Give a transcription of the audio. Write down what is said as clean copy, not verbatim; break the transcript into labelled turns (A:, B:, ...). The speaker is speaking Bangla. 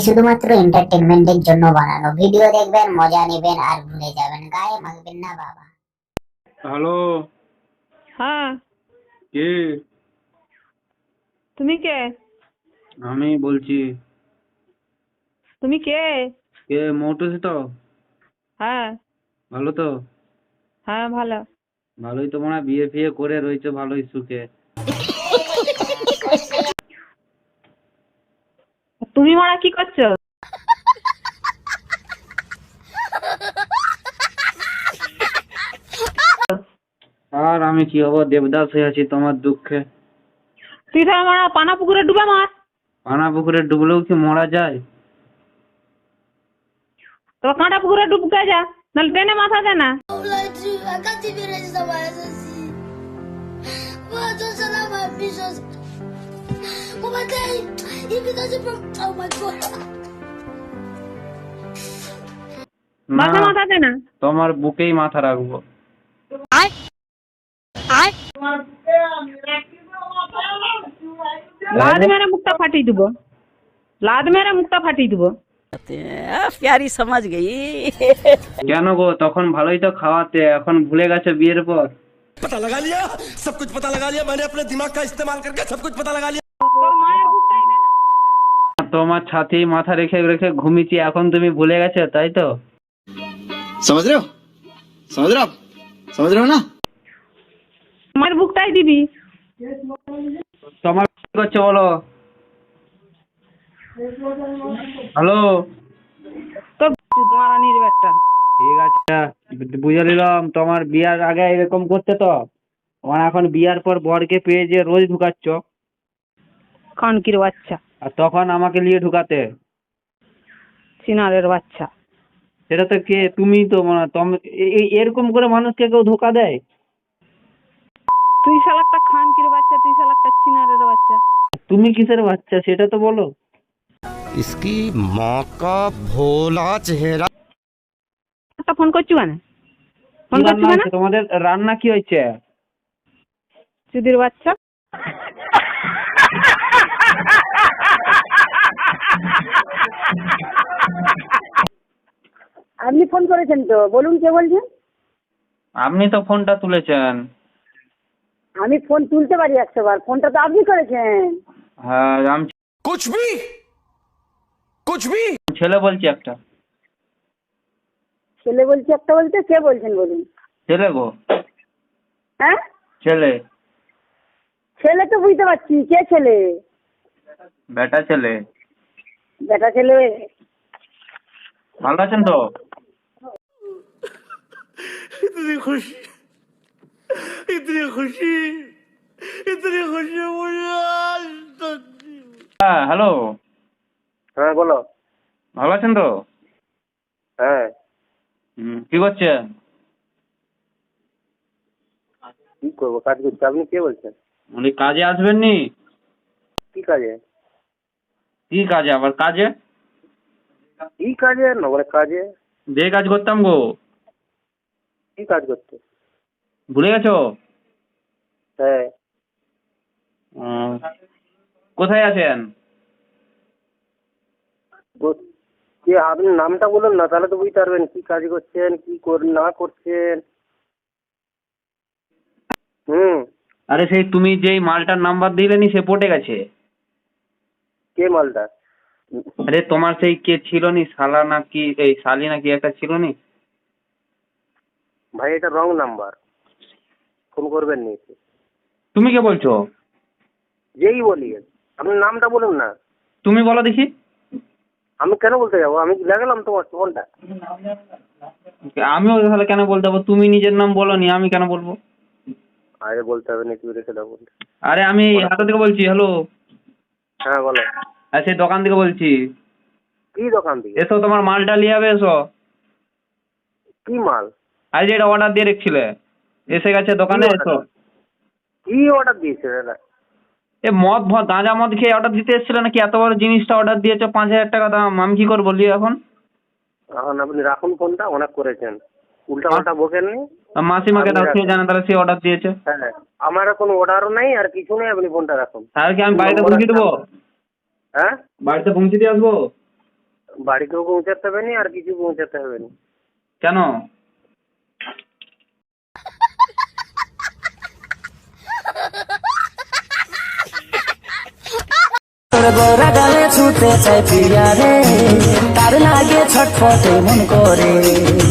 A: শুধুমাত্র এন্টারটেনমেন্টের জন্য বানানো। ভিডিও দেখবেন, মজা নেবেন আর ভুলে যাবেন, গায়ে মাখবেন না বাবা।
B: হ্যালো।
C: হ্যাঁ,
B: কে?
C: তুমি কে?
B: আমি বলছি।
C: তুমি কে?
B: কে? মৌটুসি তো?
C: হ্যাঁ
B: ভালো তো?
C: হ্যাঁ ভালো।
B: ভালোই তো, মনে হয় বিয়ে ফিয়ে করে রয়েছে ভালোই সুখে।
C: তুমি মারা কি করছো?
B: আর আমি কি হবো, দেবদাস হয়ে আছি তোমার দুঃখে।
C: তুই তো মারা পানা পুকুরে ডুবে মার।
B: পানা পুকুরে ডুবলেও কি মরা যায়?
C: তো কাঁটা পুকুরে ডুবকে যা, নাহলে ট্রেনে মাথা দে না।
D: I can't even register my SSC. What does my ambitions? Oh my God! If it doesn't from, oh my God!
B: না,
C: মাথা মাথা দে না।
B: তোমার বুকেই মাথা রাখবো।
C: লাদ মেরে মুখটা ফাটিয়ে দিব, লাদ মেরে মুখটা ফাটিয়ে দিব।
E: प्यारी समझ गई।
B: কেন গো, তখন ভালোই তো খাওয়াতে, এখন ভুলে গেছে বিয়ের পর?
F: पता लगा लिया, सब कुछ पता लगा लिया मैंने अपने दिमाग का इस्तेमाल करके सब कुछ पता लगा लिया।
C: তোর মায়ের বুকটাই দে না।
B: তোমার ছাতেই মাথা রেখে রেখে ঘুমিয়েছি, এখন তুমি ভুলে গেছো তাই তো?
F: समझ रहे हो? समझ रहे हो आप? समझ रहे हो ना?
C: মায়ের বুকটাই দিবি।
B: তোমার কি করছে বলো? হ্যালো।
C: তো মারানির ব্যাটটা।
B: ঠিক আছে, বুঝে নিলাম। তোমার বিয়ার আগে এরকম করতে তো, তোমার এখন বিয়ার পর বরকে পেয়ে যে রোজ ঢুকাচ্ছ,
C: খানকির বাচ্চা,
B: আর তখন আমাকে নিয়ে ঢুকাতে।
C: চিনারের বাচ্চা।
B: সেটা তো কে? তুমি তো মনে হয় এরকম করে মানুষকে কেউ ধোকা দেয়?
C: তুই শালাকটা খানকির বাচ্চা, তুই শালাকটা চিনারের বাচ্চা।
B: তুমি কিসের বাচ্চা সেটা তো বলো।
F: इसकी माँ का भोला चेहरा।
C: একটা ফোন করছি মানে ফোন
B: কি
C: করছি
B: রান্না
C: মানে
B: হয়েছে তোমাদের? রান্না কি হয়েছে?
C: চুদির বাচ্চা।
G: আপনি ফোন করেছেন তো, বলুন কে বলছেন?
B: আপনি তো ফোনটা তুলেছেন।
G: আমি ফোন তুলতে পারি 100 বার, ফোনটা তো আপনি করেছেন।
B: হ্যাঁ, আমি
F: कुछ भी
B: ছেলে বলছি একটা।
G: ছেলে বলছি একটা বলতে কে বলছেন বলুন?
B: ছেলে গো,
G: হ্যাঁ,
B: ছেলে।
G: ছেলে তো বুঝতে পারছি, কে ছেলে?
B: বেটা ছেলে।
G: বেটা ছেলে।
B: ভালো আছেন তো?
F: इतनी खुशी, इतनी खुशी, इतनी खुशी मुझे आज तक।
B: হ্যাঁ, হ্যালো।
H: হ্যাঁ বলো।
B: ভালো আছেন তো?
H: হ্যাঁ,
B: কি করছেন?
H: কি করবো, কাজ করছি। আপনি কে বলছেন?
B: উনি কাজে আসবেন নি?
H: কি কাজে?
B: কি কাজে আবার কাজে?
H: কি কাজে না বলে কাজে?
B: যে কাজ করতাম গো।
H: কি কাজ করতে?
B: ভুলে গেছো?
H: হ্যাঁ।
B: উম, কোথায় আছেন?
H: কে আপনি নামটা বলুন না, তাহলে তো বুঝতে পারবেন কি কাজ করছেন, কি না করছেন।
B: আরে সেই তুমি যেই মালটার নাম্বার দিলেনি সে পটে গেছে।
H: কে মালটা?
B: আরে তোমার সেই কে ছিল নি, শালা নাকি এই শালি নাকি একটা ছিল নি?
H: ভাই এটা রং নাম্বার, ফোন করবেন নি।
B: তুমি কে বলছো?
H: যেই বলি, আপনি নামটা বলুন না।
B: তুমি বলো দেখি।
H: আমি কেন বলতে যাবো? আমি লাগালাম তোমার ফোনটা।
B: আমিও তাহলে কেন বলতে যাবো? তুমি নিজের নাম বলোনি, আমি কেন বলবো?
H: আরে বলতে হবে না, তুমি রেখে দাও।
B: আরে আমি হাতা থেকে বলছি। হ্যালো।
H: হ্যাঁ বলো।
B: আর সেই দোকান থেকে বলছি।
H: কি দোকান থেকে?
B: এসো, তোমার মালটা নিয়ে যাবে, এসো।
H: কি মাল?
B: আজ এটা অর্ডার দিয়ে রেখেছিলে, এসে গেছে দোকানে, এসো।
H: কি অর্ডার দিয়েছে দাদা?
B: এ মদ গাঁজা মদ খেয়ে অর্ডার দিতে এসেছিল নাকি? এত বড় জিনিসটা অর্ডার দিয়েছো, 5000 টাকা দাম। আমি কি করবো বলি এখন?
H: এখন আপনি রাখুন ফোনটা, অনেক করেছেন, উল্টা পাল্টা বকেননি।
B: মাসিমাকে দাও, সে জানে, তাহলে সে অর্ডার দিয়েছে।
H: হ্যাঁ, আমার কোনো অর্ডারও নেই আর কিছু নেই, আপনি ফোনটা রাখুন।
B: তাহলে কি আমি বাড়িতে পৌঁছে দেবো?
H: হ্যাঁ,
B: বাড়িতে পৌঁছে দিয়ে আসবো?
H: বাড়িতেও পৌঁছাতে হবে না আর কিছু পৌঁছাতে হবে না।
B: কেন?
I: গোরা গালে ছুটে চাই প্রিয়া রে, তার লাগে ছটফটে মন করে।